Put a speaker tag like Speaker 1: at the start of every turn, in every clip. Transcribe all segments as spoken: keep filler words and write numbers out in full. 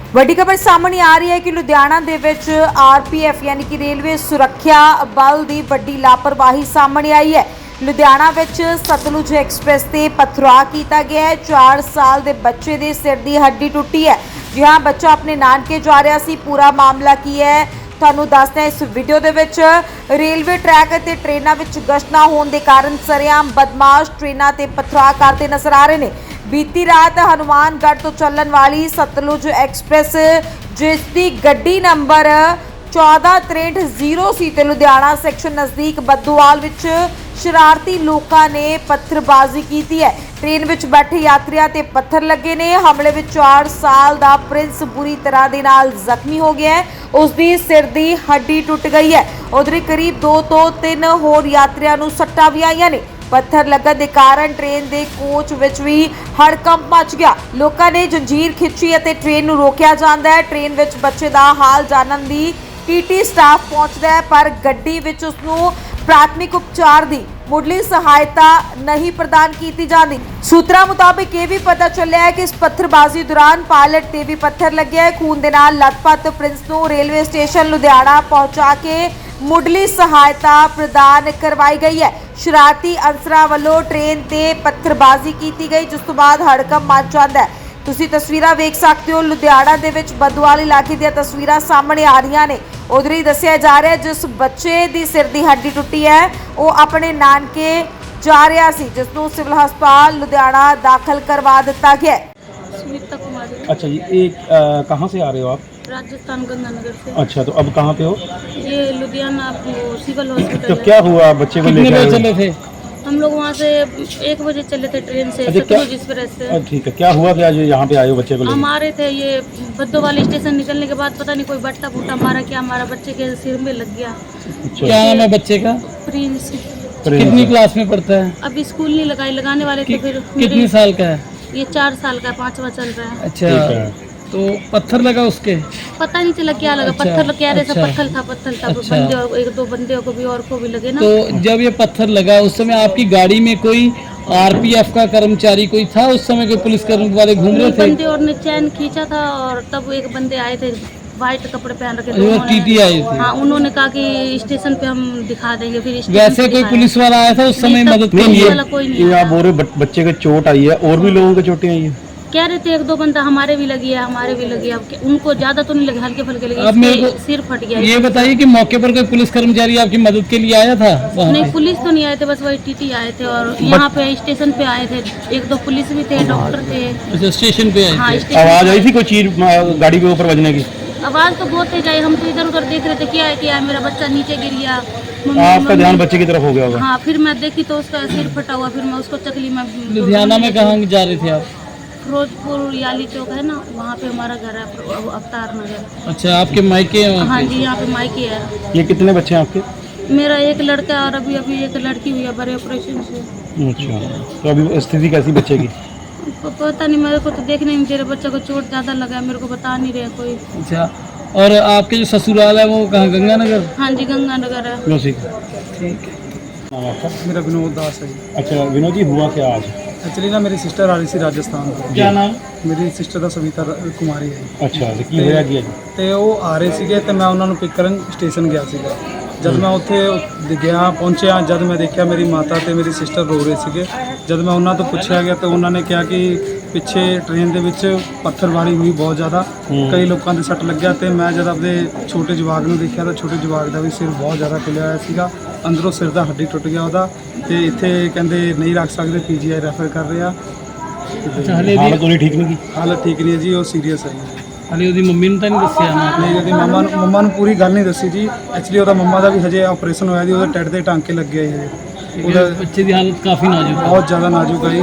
Speaker 1: ਵੱਡੀ ਖਬਰ ਸਾਹਮਣੇ ਆ ਰਹੀ ਹੈ ਕਿ ਲੁਧਿਆਣਾ ਦੇ ਵਿੱਚ ਆਰਪੀਐਫ ਯਾਨੀ ਕਿ ਰੇਲਵੇ ਸੁਰੱਖਿਆ ਬਲ ਦੀ ਵੱਡੀ ਲਾਪਰਵਾਹੀ ਸਾਹਮਣੇ ਆਈ ਹੈ। ਲੁਧਿਆਣਾ ਵਿੱਚ ਸਤਲੁਜ ਐਕਸਪ੍ਰੈਸ ਤੇ ਪਥਰਾਅ ਕੀਤਾ ਗਿਆ ਹੈ। ਚਾਰ ਸਾਲ ਦੇ ਬੱਚੇ ਦੇ ਸਿਰ ਦੀ ਹੱਡੀ ਟੁੱਟੀ ਹੈ। ਜੀ ਹਾਂ, ਬੱਚਾ ਆਪਣੇ ਨਾਨਕੇ ਜਾ ਰਿਹਾ ਸੀ। ਪੂਰਾ ਮਾਮਲਾ ਕੀ ਹੈ ਤੁਹਾਨੂੰ ਦੱਸਦੇ ਹਾਂ ਇਸ ਵੀਡੀਓ ਦੇ ਵਿੱਚ। ਰੇਲਵੇ ਟਰੈਕ ਅਤੇ ਟ੍ਰੇਨਾਂ ਵਿੱਚ ਗਸ਼ਤ ਨਾ ਹੋਣ ਦੇ ਕਾਰਨ ਸਰੇਆਮ ਬਦਮਾਸ਼ ਟ੍ਰੇਨਾਂ ਤੇ ਪਥਰਾਅ ਕਰਦੇ ਨਜ਼ਰ ਆ ਰਹੇ ਨੇ। बीती रात हनुमानगढ़ तो चलन वाली सतलुज एक्सप्रेस जिसकी गड्डी नंबर चौदह त्रेंठ जीरो सी ते लुधियाना सैक्शन नज़दीक बद्दोवाल विच शरारती लोगों ने पत्थरबाजी की है। ट्रेन विच बैठे यात्रियों ते पत्थर लगे ने। हमले विच चार साल दा प्रिंस बुरी तरह दे नाल जख्मी हो गया है। उसकी सिर दी हड्डी टुट गई है। उधर करीब दो तो तीन होर यात्रियों नूं सट्टां भी आईयां ने। पत्थर लगन के कारण ट्रेन के कोच विच भी हड़कंप मच गया। लोगों ने जंजीर खिंची और ट्रेन नूं रोकिया जाता है। ट्रेन विच बच्चे का हाल जानन दी टीटी स्टाफ पहुंचता है, पर गड्डी विच उसनूं प्राथमिक उपचार की मुढ़ली सहायता नहीं प्रदान की जाती। सूत्रों मुताबिक ये भी पता चलिया है कि इस पत्थरबाजी दौरान पायलट ते भी पत्थर लगे है। खून के नाल लथपथ प्रिंस नूं रेलवे स्टेशन लुधियाना पहुंचा के मुढ़ली सहायता प्रदान करवाई गई है। शरारती अंसरां वालों ट्रेन ते पत्थरबाजी की गई, जिस तो बाद हड़कंप मच जाता है। तुसीं तस्वीरां वेख सकते हो। लुधियाना दे विच बद्दोवाल इलाके दी तस्वीरां सामने आ रही ने। उधर ही दस्सिया जा रहा है जिस बच्चे दी सिर दी हड्डी टुटी है वो अपने नानके जा रहा सी, जिसनूं सिविल हस्पताल लुधियाना दाखिल करवा दिता गया है।
Speaker 2: स्मिता कुमारी।
Speaker 3: अच्छा जी, ये कहाँ से आ रहे हो आप?
Speaker 2: राजस्थान गंगानगर से।
Speaker 3: अच्छा, तो अब कहाँ पे हो?
Speaker 2: ये लुधियाना सिविल हॉस्पिटल
Speaker 3: तो
Speaker 2: है।
Speaker 3: क्या हुआ बच्चे को लेकर आए
Speaker 4: चले थे?
Speaker 2: हम लोग वहाँ से एक बजे चले थे ट्रेन से,
Speaker 3: अच्छा, क्या-
Speaker 2: सतलुज एक्सप्रेस से।
Speaker 3: अच्छा, ठीक है। क्या हुआ क्या जो यहाँ पे आए हो बच्चे को
Speaker 2: हम
Speaker 3: लेकर?
Speaker 2: आ रहे थे, ये बद्दोवाल स्टेशन निकलने के बाद पता नहीं कोई बट्टा फूटा मारा क्या, हमारा बच्चे के सिर में लग गया।
Speaker 3: अच्छा,
Speaker 4: क्या नाम है बच्चे का?
Speaker 2: प्रिंस
Speaker 3: ट्रेन
Speaker 4: कितनी
Speaker 3: से।
Speaker 4: क्लास में पढ़ता है?
Speaker 2: अभी स्कूल नहीं लगाई, लगाने वाले थे।
Speaker 4: कि,
Speaker 2: फिर
Speaker 4: कितने
Speaker 2: मेरे-
Speaker 4: साल का है?
Speaker 2: ये चार साल का, पांचवा चल रहा है।
Speaker 4: अच्छा,
Speaker 3: ठीक है।
Speaker 4: तो पत्थर लगा उसके?
Speaker 2: पता नहीं चला क्या लगा।
Speaker 4: अच्छा,
Speaker 2: पत्थर कह रहे थे,
Speaker 4: अच्छा।
Speaker 2: पत्थर था पत्थर था
Speaker 4: अच्छा।
Speaker 2: बंदे और एक दो बंदे को भी और को भी लगे ना।
Speaker 4: तो जब ये पत्थर लगा उस समय आपकी गाड़ी में कोई आरपीएफ का कर्मचारी कोई था? उस समय कोई पुलिस कर्मचारी वाले घूम रहे थे?
Speaker 2: बंदे और ने चैन खींचा था और तब एक बंदे आए थे, व्हाइट कपड़े पहन रखे थे।
Speaker 4: वो
Speaker 2: उन्होंने-
Speaker 4: टीटी आए थे?
Speaker 2: हाँ, उन्होंने कहा कि स्टेशन पे हम दिखा देंगे। फिर स्टेशन
Speaker 4: वैसे
Speaker 2: पे
Speaker 4: कोई
Speaker 2: दिखाया।
Speaker 4: पुलिस वाला आया था उस समय
Speaker 2: नहीं, तब
Speaker 4: मदद के
Speaker 2: पुलिस
Speaker 4: लिए?
Speaker 2: वाला कोई नहीं
Speaker 3: ये
Speaker 2: आया।
Speaker 3: आप बोल रहे हो बच- बच्चे को चोट आई है, और भी लोगों को चोटें आई है?
Speaker 2: कह रहे थे एक दो बंदा हमारे भी लगी है, हमारे भी लगी है। अब क्या- उनको ज्यादा तो नहीं लगे, हल्के फुल्के लगे।
Speaker 4: अब मेरे
Speaker 2: इसके
Speaker 4: को
Speaker 2: सिर फट गया।
Speaker 4: ये बताइए कि मौके पर कोई पुलिस कर्मचारी आपकी मदद के लिए आया था वहाँ
Speaker 2: नहीं,
Speaker 4: पे?
Speaker 2: पुलिस तो नहीं आए थे, बस वही टीटी आए थे और यहाँ पे स्टेशन पे आए थे। एक दो पुलिस भी थे, डॉक्टर थे।
Speaker 4: अच्छा, स्टेशन पे
Speaker 2: हाँ,
Speaker 4: आए थे?
Speaker 2: स्टेशन
Speaker 3: आवाज
Speaker 2: पे
Speaker 3: आई थी कोई चीज अ, गाड़ी के ऊपर बजने की?
Speaker 2: आवाज तो बहुत तेज आई। हम तो इधर उधर देख रहे थे, क्या है क्या है, मेरा बच्चा नीचे गिर गया। मम्मी-
Speaker 3: आपका
Speaker 2: मम्मी-
Speaker 3: ध्यान बच्चे की तरफ हो गया होगा।
Speaker 2: हाँ, फिर मैं देखी तो उसका सिर फटा हुआ। फिर मैं उसको चकली में
Speaker 4: लुधियाना में कहाँ जा रहे थे आप?
Speaker 2: फिरोजपुर याली चौक है ना, वहाँ पे हमारा घर है, अव- अवतार नगर।
Speaker 4: अच्छा, आपके मायके हैं वहाँ
Speaker 2: हाँ
Speaker 4: पे?
Speaker 2: जी, यहाँ पे मायके है।
Speaker 3: ये कितने बच्चे हैं आपके?
Speaker 2: मेरा एक लड़का और अभी अभी एक लड़की हुई है बड़े ऑपरेशन से।
Speaker 3: अच्छा, तो अभी स्थिति कैसी बच्चे की?
Speaker 2: प- पता नहीं, मेरे को तो देखने नहीं दे रहे। बच्चे को चोट ज़्यादा लगा है, मेरे को बता नहीं रहे कोई।
Speaker 4: अच्छा, और आपके जो ससुराल है वो कहाँ, गंगानगर?
Speaker 2: हाँ जी, गंगानगर है।
Speaker 3: नौसी
Speaker 4: ठीक है।
Speaker 3: नाम आपका?
Speaker 5: मेरा विनोद दास है जी।
Speaker 3: अच्छा विनोद जी, हुआ क्या आज?
Speaker 5: एक्चुअली ना मेरी सिस्टर आ रही सी राजस्थान ਤੋਂ।
Speaker 4: क्या नाम?
Speaker 5: ਮੇਰੀ ਸਿਸਟਰ ਦਾ ਸਵਿਤਾ ਰ- ਕੁਮਾਰੀ ਹੈ ਜੀ।
Speaker 3: ਅੱਛਾ, ਤੇ ਕੀ ਹੋਇਆ ਕੀ ਅੱਜ?
Speaker 5: ਤੇ ਉਹ ਆ ਰਹੇ ਸੀਗੇ ਤੇ ਮੈਂ ਉਹਨਾਂ ਨੂੰ ਪਿਕ ਕਰਨ ਸਟੇਸ਼ਨ ਗਿਆ ਸੀਗਾ। ਜਦ ਮੈਂ ਉੱਥੇ ਗਿਆ ਪਹੁੰਚਿਆ, ਜਦ ਮੈਂ ਦੇਖਿਆ ਮੇਰੀ ਮਾਤਾ ਤੇ ਮੇਰੀ ਸਿਸਟਰ ਰੋ ਰਹੇ ਸੀਗੇ। ਜਦ ਮੈਂ ਉਹਨਾਂ ਤੋਂ ਪੁੱਛਿਆ ਗਿਆ ਤਾਂ ਉਹਨਾਂ ਨੇ ਕਿਹਾ ਕਿ ਪਿੱਛੇ ਟ੍ਰੇਨ ਦੇ ਵਿੱਚ ਪੱਥਰਬਾਰੀ ਹੋਈ ਬਹੁਤ ਜ਼ਿਆਦਾ, ਕਈ ਲੋਕਾਂ ਦੇ ਸੱਟ ਲੱਗਿਆ। ਤੇ ਮੈਂ ਜਦ ਆਪਣੇ ਛੋਟੇ ਜਵਾਕ ਨੂੰ ਦੇਖਿਆ ਤਾਂ ਛੋਟੇ ਜਵਾਕ ਦਾ ਵੀ ਸਿਰ ਬਹੁਤ ਜ਼ਿਆਦਾ ਖੁੱਲਿਆ ਹੋਇਆ ਸੀਗਾ। ਅੰਦਰੋਂ ਸਿਰ ਦਾ ਹੱਡੀ ਟੁੱਟ ਗਿਆ ਉਹਦਾ। ਤੇ ਇੱਥੇ ਕਹਿੰਦੇ ਨਹੀਂ ਰੱਖ ਸਕਦੇ, ਪੀਜੀਆਈ ਰੈਫਰ ਕਰ ਰਹੇ ਆ।
Speaker 4: अच्छा, हले भी
Speaker 3: ਹਾਲਤ ਉਹਦੀ ਠੀਕ ਨਹੀਂ ਕੀ?
Speaker 5: ਹਾਲਤ ਠੀਕ ਨਹੀਂ ਹੈ ਜੀ, ਉਹ ਸੀਰੀਅਸ ਹੈ ਜੀ।
Speaker 4: हले ਉਹਦੀ ਮੰਮੀ ਨੂੰ ਤਾਂ ਨਹੀਂ ਦੱਸਿਆ ਨਾ?
Speaker 5: ਨਹੀਂ, ਉਹਦੀ ਮੰਮਾ ਨੂੰ ਮੰਮਾ ਨੂੰ ਪੂਰੀ ਗੱਲ ਨਹੀਂ ਦੱਸੀ ਜੀ। ਐਕਚੁਅਲੀ ਉਹਦਾ ਮੰਮਾ ਦਾ ਵੀ ਹਜੇ ਆਪਰੇਸ਼ਨ ਹੋਇਆ ਜੀ, ਉਹਦੇ ਟੱਟ ਦੇ ਟਾਂਕੇ ਲੱਗੇ ਆ ਜੀ। ਉਹਦਾ
Speaker 4: ਬੱਚੇ ਦੀ ਹਾਲਤ ਕਾਫੀ ਨਾਜ਼ੁਕ ਹੈ।
Speaker 5: ਬਹੁਤ ਜ਼ਿਆਦਾ ਨਾਜ਼ੁਕ ਹੈ ਜੀ।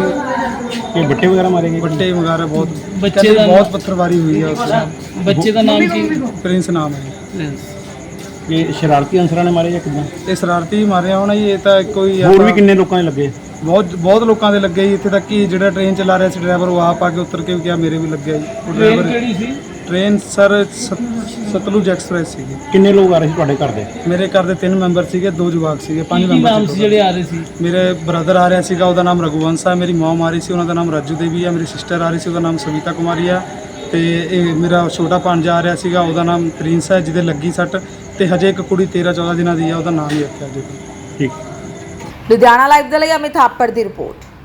Speaker 3: ਇਹ ਬੱਟੇ ਵਗੈਰਾ ਮਾਰੇਗੇ?
Speaker 5: ਵੱਡੇ ਵਗੈਰਾ ਬਹੁਤ
Speaker 4: ਬੱਚੇ
Speaker 5: ਕਹਿੰਦੇ
Speaker 4: ਦਾ-
Speaker 5: ਬਹੁਤ ਪੱਥਰਵਾਰੀ ਹੋਈ ਹੈ ਉਸ
Speaker 4: ਬੱਚੇ ਦਾ ਨਾਮ ਕੀ?
Speaker 5: ਪ੍ਰਿੰਸ ਨਾਮ ਹੈ ਜੀ।
Speaker 3: ਇਹ ਸ਼ਰਾਰਤੀ ਅਨਸਰਾਂ ਨੇ ਮਾਰੇ ਜਾਂ ਕਿੱਦਾਂ?
Speaker 5: ਇਹ ਸ਼ਰਾਰਤੀ ਹੀ ਮਾਰਿਆ ਹੋਣਾ ਜੀ। ਇਹ ਤਾਂ ਕੋਈ
Speaker 3: ਹੋਰ ਵੀ ਕਿੰਨੇ ਲੋਕਾਂ ਨੇ ਲੱਗੇ?
Speaker 5: ਬਹੁਤ ਬਹੁਤ ਲੋਕਾਂ ਦੇ ਲੱਗੇ ਜੀ। ਇੱਥੇ ਤੱਕ ਕਿ ਜਿਹੜਾ ਟ੍ਰੇਨ ਚਲਾ ਰਿਹਾ ਸੀ ਡਰਾਈਵਰ, ਉਹ ਆਪ ਆ ਕੇ ਉਤਰ ਕੇ ਵੀ ਕਿਹਾ ਮੇਰੇ ਵੀ ਲੱਗਿਆ ਜੀ। ਉਹ
Speaker 4: ਟ੍ਰੇਨ
Speaker 5: ਡਰਾਈਵਰ
Speaker 4: ਕਿਹੜੀ ਸੀ?
Speaker 5: ਟ੍ਰੇਨ ਸਰ ਸਤ- ਸਤਲੁਜ ਐਕਸਪ੍ਰੈਸ ਸੀਗੀ।
Speaker 3: ਕਿੰਨੇ ਲੋਕ ਆ ਰਹੇ ਸੀ ਤੁਹਾਡੇ ਘਰ ਦੇ?
Speaker 5: ਮੇਰੇ ਘਰ ਦੇ ਤਿੰਨ ਮੈਂਬਰ ਸੀਗੇ, ਦੋ ਜਵਾਕ ਸੀਗੇ, ਪੰਜ
Speaker 4: ਕੀ ਨਾਮ
Speaker 5: ਮੈਂਬਰ
Speaker 4: ਸੀ
Speaker 5: ਸੀ।
Speaker 4: ਜਿਹੜੇ ਆ ਰਹੇ ਸੀ?
Speaker 5: ਮੇਰੇ ਬ੍ਰਦਰ ਆ ਰਿਹਾ ਸੀਗਾ, ਉਹਦਾ ਨਾਮ ਰਘੁਵੰਸ਼ ਹੈ। ਮੇਰੀ ਮਮ ਆ ਰਹੀ ਸੀ, ਉਹਨਾਂ ਦਾ ਨਾਮ ਰਾਜੂ ਦੇਵੀ ਹੈ। ਮੇਰੀ ਸਿਸਟਰ ਆ ਰਹੀ ਸੀ, ਉਹਦਾ ਨਾਮ ਸਵਿਤਾ ਕੁਮਾਰੀ ਹੈ। ਤੇ ਇਹ ਮੇਰਾ ਛੋਟਾ ਭਾਣਜਾ ਆ ਰਿਹਾ ਸੀਗਾ, ਉਹਦਾ ਨਾਮ ਪ੍ਰਿੰਸ ਹੈ, ਜਿਹਦੇ ਲੱਗੀ ਸੱਟ, ਤੇ ਹਜੇ ਇੱਕ ਕੁੜੀ ਤੇਰਾਂ ਚੌਦਾਂ ਦਿਨਾਂ ਦੀ ਹੈ, ਉਹਦਾ ਨਾਮ ਹੀ ਰੱਖਿਆ ਜੀ।
Speaker 3: ਠੀਕ।
Speaker 1: ਲੁਧਿਆਣਾ ਲਾਈਵ ਦੇ ਲਈ ਅਮਿਤ ਥਾਪੜ ਦੀ ਰਿਪੋਰਟ।